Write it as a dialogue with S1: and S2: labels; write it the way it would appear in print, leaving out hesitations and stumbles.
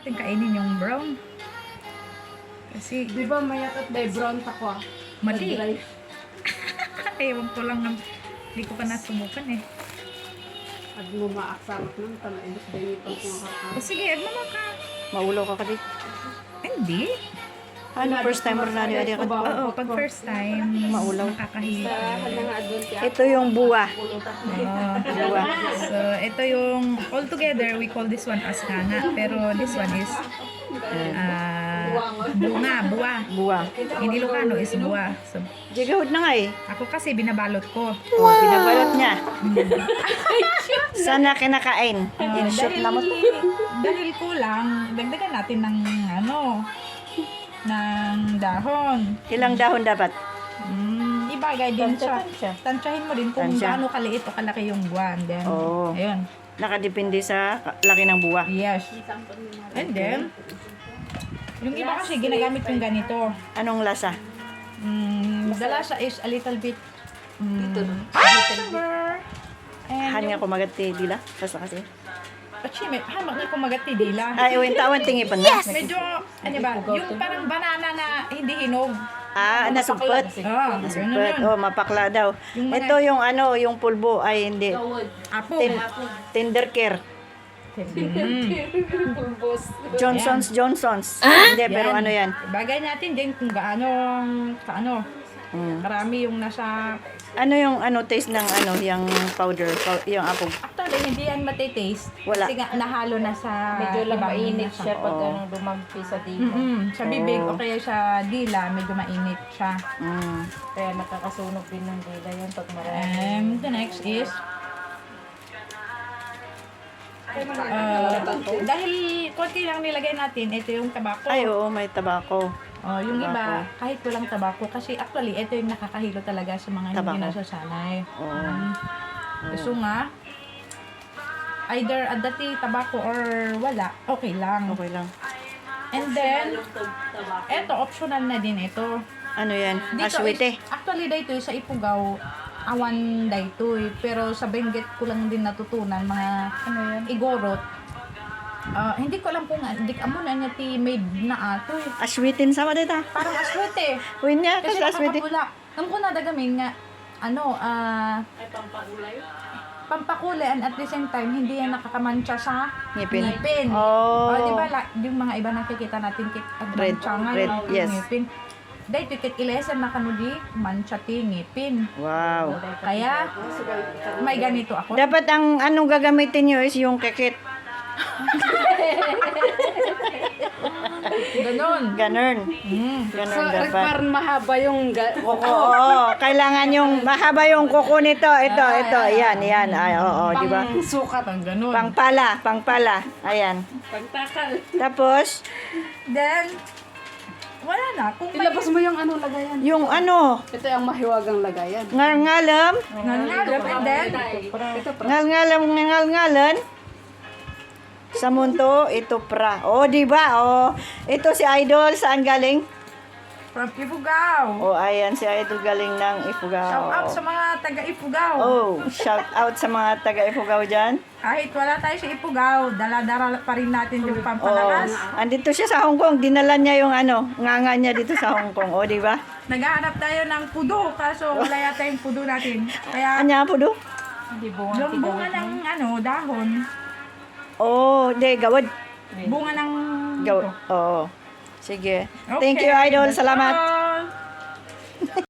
S1: natin kainin yung brown. Kasi,
S2: Di ba mayat at may brown takwa?
S1: mali.
S2: Dry.
S1: Ewan ko lang ng, hindi ko pa nasubukan eh.
S2: At lumaaksamak nun, talaindos din ito kung
S1: O sige, agmama ka.
S3: Maulo ka kadi.
S1: Hindi.
S3: Ano, first time mo na niya ka?
S1: Oo, pag first time,
S3: Maulaw.
S1: nakakahiya.
S3: Ito yung buwa.
S1: Oo.
S3: Buwa.
S1: So, ito yung, all together, we call this one as nganga. Pero this one is, bunga, buwa.
S3: Buwa.
S1: In Ilocano is buwa. So,
S3: Jigahod na nga eh.
S1: ako kasi binabalot ko.
S3: Oh, binabalot niya. Sana kinakain. In short na mo.
S1: Dahil kulang, dagdagan natin ng ng dahon.
S3: Ilang dahon dapat?
S1: Ibagay din siya.
S3: Tansya.
S1: Tansyahin mo din kung
S3: Tansya.
S1: gaano kaliit o kalaki yung buwan. Then,
S3: Oo.
S1: ayun.
S3: Nakadepende sa laki ng buwa.
S1: Yes. And then, yung iba kasi ginagamit yung ganito.
S3: Anong lasa?
S1: The lasa is a little bit sugar. And
S3: Hanya ko magati dila. Basta kasi.
S1: Pachimit, hamak na kumagati dila.
S3: Ay, uwin tawan tingi pa na.
S1: Medyo, ano ba, yung parang banana na hindi hinog.
S3: Ah, nasugpet.
S1: Ah,
S3: Nasugpet.
S1: ganun yun.
S3: Oh, mapakla daw.
S1: Yung mga-
S3: Ito yung ano, yung pulbo. Ay, hindi.
S1: Apo.
S3: Tender care.
S2: Pulbos.
S3: Johnson's. Hindi, pero
S1: Yan.
S3: ano yan?
S1: Bagay natin din kung gaano, karami yung nasa,
S3: Ano yung taste ng yung powder, yung apog?
S1: actually, hindi yan matitaste.
S3: Wala.
S1: Kasi nga, nahalo na sa
S2: Medyo lang
S1: ibang
S2: mainit
S1: nasa-
S2: siya pag
S3: Oo.
S2: dumagpi sa dito.
S1: Sa bibig
S3: Oo.
S1: o kaya sa dila, medyo mainit siya.
S2: Kaya nakakasunog din ng dila yan pag marami.
S1: The next is, dahil konti lang nilagay natin, ito yung tabako.
S3: Ay, oo, may tabako.
S1: Yung
S3: Tabako.
S1: iba, kahit walang tabako. Kasi actually, ito yung nakakahilo talaga sa mga hindi
S3: Tabako.
S1: nasasanay.
S3: Oo.
S1: So nga, either dati tabako or wala, okay lang.
S3: Okay lang.
S1: And then, eto, optional na din ito.
S3: Ano yan?
S1: Dito
S3: Aswite.
S1: actually, dito sa Ifugao, awan dito eh. Pero sa Benguet ko lang din natutunan, mga igorot. Hindi ko alam kung hindi amo na niya ti made na ato eh.
S3: Aswitin sama dita.
S1: Parang aswete.
S3: Uwin niya,
S1: Kasi
S3: kasi aswite.
S1: nakakapula. Nang ko nadagamin nga,
S2: Ay, pampakulay?
S1: pampakulay and at the same time, hindi yan nakakamansya sa
S3: Ngipin.
S1: O,
S3: Oh.
S1: di ba, yung mga iba nakikita natin kit at
S3: Red,
S1: mansya nga
S3: red,
S1: yung
S3: yes.
S1: ngipin. Dahil kit ilesen na kanudi, mansya ti ngipin.
S3: Wow.
S1: Kaya, may ganito ako.
S3: Dapat ang anong gagamitin nyo is yung kekit.
S1: Ganon.
S3: Ganun.
S2: So,
S3: Ganun dapat.
S2: parang mahaba yung
S3: Oo, kailangan yung mahaba yung kuko nito. Ito. Yan. Ay, oo, di ba?
S1: Sukat ang ganon.
S3: Pangpala. Ayan.
S2: pagtakal.
S3: Tapos,
S1: Then, wala na. Kung may
S2: Ilabas mo yung lagayan.
S3: yung
S2: Ito yung mahiwagang lagayan.
S3: ngalngalam,
S1: nangalap and then,
S2: Ito
S3: ngalngalan, sa munto, ito pra. Oh, di ba? Oh, ito si Idol, saan galing?
S1: from Ifugao.
S3: Oh, ayan, si Idol galing ng Ifugao.
S1: Shout out sa mga taga Ifugao.
S3: Oh, shout out sa mga taga Ifugao dyan.
S1: Kahit wala tayo sa Ifugao, dala-dala pa rin natin yung
S3: Oh,
S1: pampalakas.
S3: andito siya sa Hong Kong. Dinala niya yung nganga niya dito sa Hong Kong. Oh, di ba?
S1: Naghahanap tayo ng pudo, kaso wala yata yung pudo natin. Kaya,
S3: Anya po do?
S2: Hindi bunga.
S1: yung bunga ng dahon,
S3: Oh, di, gawad.
S1: bunga ng...
S3: Gawad. Oo. Sige.
S1: Okay,
S3: Thank you, Idol.
S1: that's
S3: Salamat.
S1: all.